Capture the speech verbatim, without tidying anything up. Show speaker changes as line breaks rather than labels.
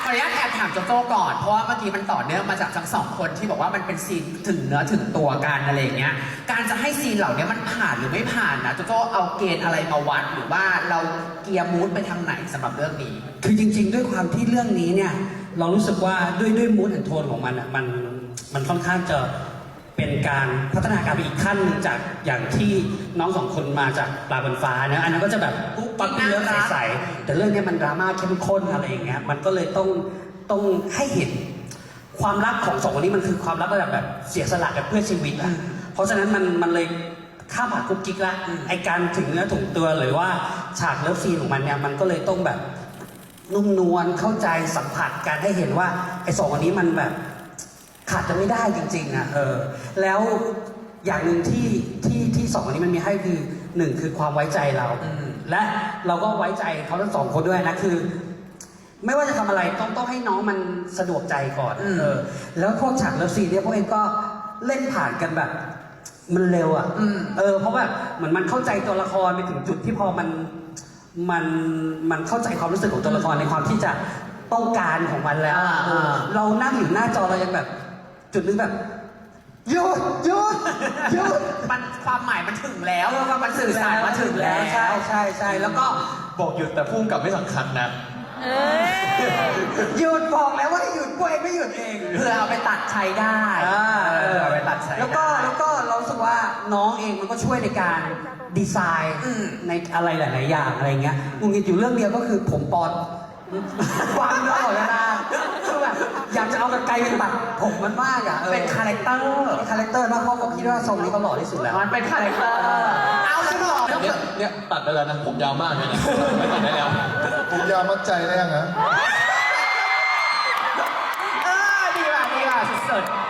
ออนุญาตแอบถามโจโจ้ก่อนเพราะว่าเมื่อกี้มันต่อเนื่องมาจากทั้งสองคนที่บอกว่ามันเป็นซีนถึงเนื้อถึงตัวกันอะไรอย่างเงี้ยการจะให้ซีนเหล่านี้มันผ่านหรือไม่ผ่านนะโจโจ้เอาเกณฑ์อะไรมาวัดหรือว่าเราเกียร์มูดไปทางไหนสำหรับเรื่องนี้
คือจริงๆด้วยความที่เรื่องนี้เนี่ยเรารู้สึกว่าด้วยด้วยมูดแอนโทนของมันอ่ะมันมันค่อนข้างจะเป็นการพัฒนาการไปอีกขั้นหนึ่งจากอย่างที่น้องสองคนมาจากปลาบนฟ้านะอันนั้นก็จะแบบปุ๊บปั๊บเลือดใสๆแต่เรื่องนี้มันดราม่าเข้มข้นอะไรอย่างเงี้ยมันก็เลยต้องต้องให้เห็นความรักของสองคนนี้มันคือความรักระดับแบบเสียสละกันเพื่อชีวิตอ่ะเพราะฉะนั้นมันมันเลยข้ามผ่านกุ๊กกิ๊กละไอการถึงเนื้อถึงตัวหรือว่าฉากเลิฟซีนของมันเนี่ยมันก็เลยต้องแบบนุ่มนวลเข้าใจสัมผัสการให้เห็นว่าไอ้สองอันนี้มันแบบขาดจะไม่ได้จริงๆอ่ะเออแล้วอย่างหนึ่งที่ที่ที่สองอันนี้มันมีให้คือหนึ่งคือความไว้ใจเราและเราก็ไว้ใจเขาทั้งสองคนด้วยนะคือไม่ว่าจะทำอะไรต้องต้องให้น้องมันสะดวกใจก่อนเออแล้วพวกฉากเลิฟซีนเนี่ยพวกเองก็เล่นผ่านกันแบบมันเร็วอ่ะเออเพราะแบบเหมือนมันเข้าใจตัวละครไปถึงจุดที่พอมันมันมันเข้าใจความรู้สึกของตัวละครในความที่จะต้องการของมันแล้วเรานั่งอยู่หน้าจอเรายังแบบจุดนึงแบบหยุดหยุดหยุด
มันความหมายมันถึงแล้วมันสื่อสารมาถึงแล้ว
ใช่ใช่ใช่แล้วก็
บอกหยุดแต่พุ่งกับไม่สำคัญนะ
หยุดบอกแล้วว่าให้หยุดกูเองไม่หยุดเอง
เพื่อเอาไปตัดใช้ได้เออเอาไปตัดใช้
แล้วก็แล้วก็เราสึกว่าน้องเองมันก็ช่วยในการดีไซน์ในอะไรหลายๆอย่างอะไรเงี้ยมึงอยู่เรื่องเดียวก็คือผมปอนวางเนื้อหมดแล้วนะคือแบบอยากจะเอากระไกลเป็นตัดผมมันมากอ่ะ
เป็นคาแรคเตอร์
คาแรคเตอร์มากเพราะผมคิดว่าทรงนี้เขาหล่อที่สุดแล้ว
มันเป็นคาแรคเตอร์เอาแล้วหล่อ
เนี่ยเนี่ยตัดได้แล้วนะผมยาวมากเลยนะไม่ตัดได้แล้ว
ผมยาวมัดใจได้ยังฮะ
เออดีว่ะดีว่ะสุดๆ